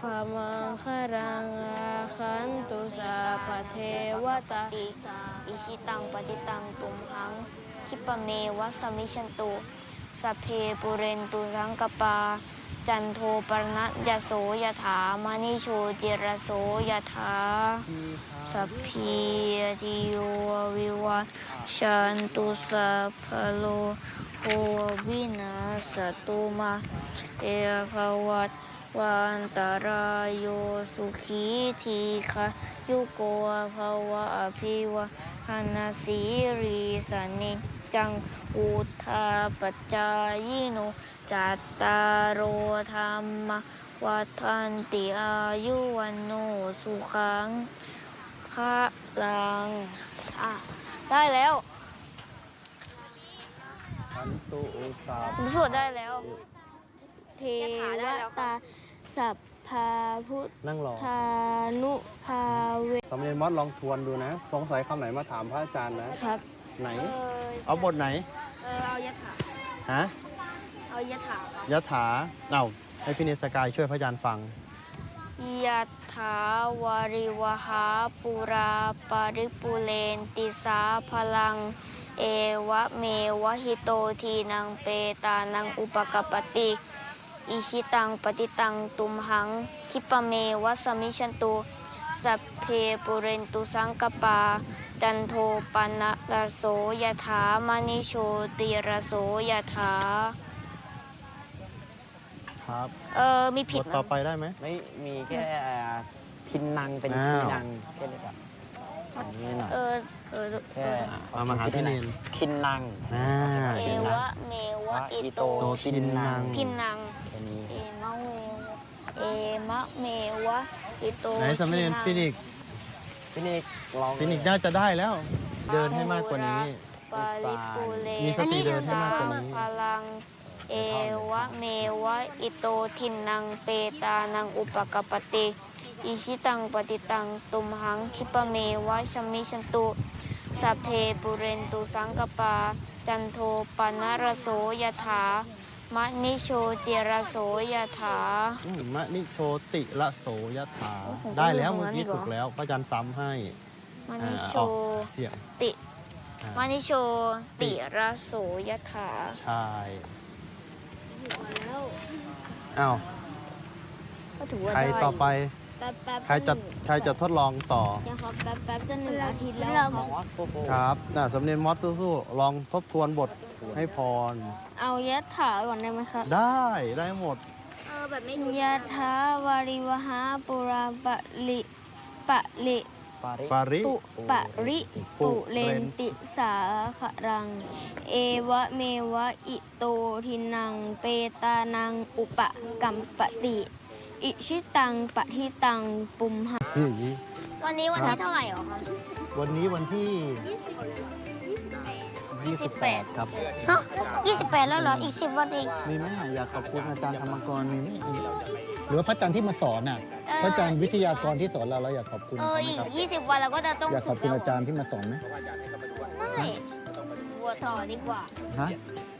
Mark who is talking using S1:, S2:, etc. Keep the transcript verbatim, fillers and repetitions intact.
S1: พมังคารังอาคันตุสัพพเทวตาอิชิตังปฏิตังตุมหังคิปะเมวัสมิชันตุสัพเพปุเรนตุสังกปาจันโทปรณยโสยถามณิโชจิรโสยถาสัพพีติโยวิวัชชันตุสัพพโลโควินาสตุมาเตภวัตวันตรายโยสุขีทีคะยุโกภวะอภิวะหนาสีริสนิจังอุทาปัจจายโนจัตตารโอธรรมวัฏันติอายุวันโนสุขังพระลังได้แล้ว
S2: ขันตุสา
S1: ผมสวดได้แล้วเทวตาสัพพาพุท
S2: นั่งรอ
S1: ธานุภาเว
S2: สำเร็จมอสลองทวนดูนะสงสัยคำไหนมาถามพระอาจารย์นะครับไหนเอาบทไหน
S1: เออเอายถา
S2: ฮะ
S1: เอายถาย
S2: ถาเอาให้พี่เนสกายช่วยพระอาจารย์ฟัง
S1: ยถาวาริวหาปุราปาริปุเรนติสาพลังเอวะเมวะหิโตทีนังเปตานังอุปกปติอิชิตังปฏิตังตุมหังคิปะเมวะสมิชันตุสัพเพปุเรนตุสังกปาจันโทปนะระโสยถามณิโชติระโสยถา
S2: ครับ
S1: เออมีผิด
S2: ต่อไปได้ไหม
S3: ไม่มีแค่ทินนังเป็นทินนังแค่นี้ครับนี่หน่อย
S1: เออเออ
S3: แค่
S2: เอามาหาพี่เนน
S3: ทินนัง
S1: เอวะเมวะอิโต
S2: ทินนัง
S1: ทินนัง
S3: แค่นี้
S1: เอมะเมเอมะเมวะอิโต
S2: ไหนสมเด็จฟินิก
S3: ฟินิกลอง
S2: ฟินิกน่าจะได้แล้ว เดินให้มากกว่านี้มีสติเดินให้มากกว่านี้
S1: พลังเอวะเมวะอิโตทินนังเปตานังอุปกปติอิชิตังปฏิตังตุมหังคิปะเมวะชมิชันตุสัพเพปุเรนตุสังกปาจันโทปนะระโสยถามะนิโชจิระโสยถาม
S2: ะนิโชติระโสยถาได้แล้วเมื่อกี้ถูกแล้วพระอาจารย์ซ้ำให้
S1: มะนิโชติมะนิโชติระโสยถา
S2: ใช่อ้าวใครต่อไปใครจะใครจะทดลองต่อ
S1: ยังครับแป๊บแป๊บจะหนึ่งอาทิตย์แล้ว
S2: ครับน่ะสำเนียงมอสสู้ๆลองทบทวนบทให้พร
S1: เอายะถาก่อนได้ไหมครับ
S2: ได้ได้หมด
S1: เออแบบไม่ยะถาวาริวหาปุราปะลิปะลิ
S2: ปาริ
S1: ปุปะริปุเรนติสาขรังเอวะเมวะอิโตทินังเปตานังอุปกัมปติอิชิตังปะทิตังปุมหะวันนี้วันที่เท่าไหร่หรอคะ
S2: วันนี้วันที่ยี่สิบแปดครับ
S1: ฮะยี่สิบแปดแล้วเหรออีกสิบวันเอง
S2: มีไหมอยากขอบคุณอาจารย์ธรรมกรมีไหมหรือว่าพระอาจารย์ที่มาสอนน่ะพระอาจารย์วิทยากรที่สอนเราเราอยากขอบคุณ
S1: เอออีกยี่สิบวันเราก็จะต้อง
S2: อยากขอบคุณอาจารย์ที่มาสอนไหม
S1: ไม่บวชต่อดีกว่า
S2: ฮะ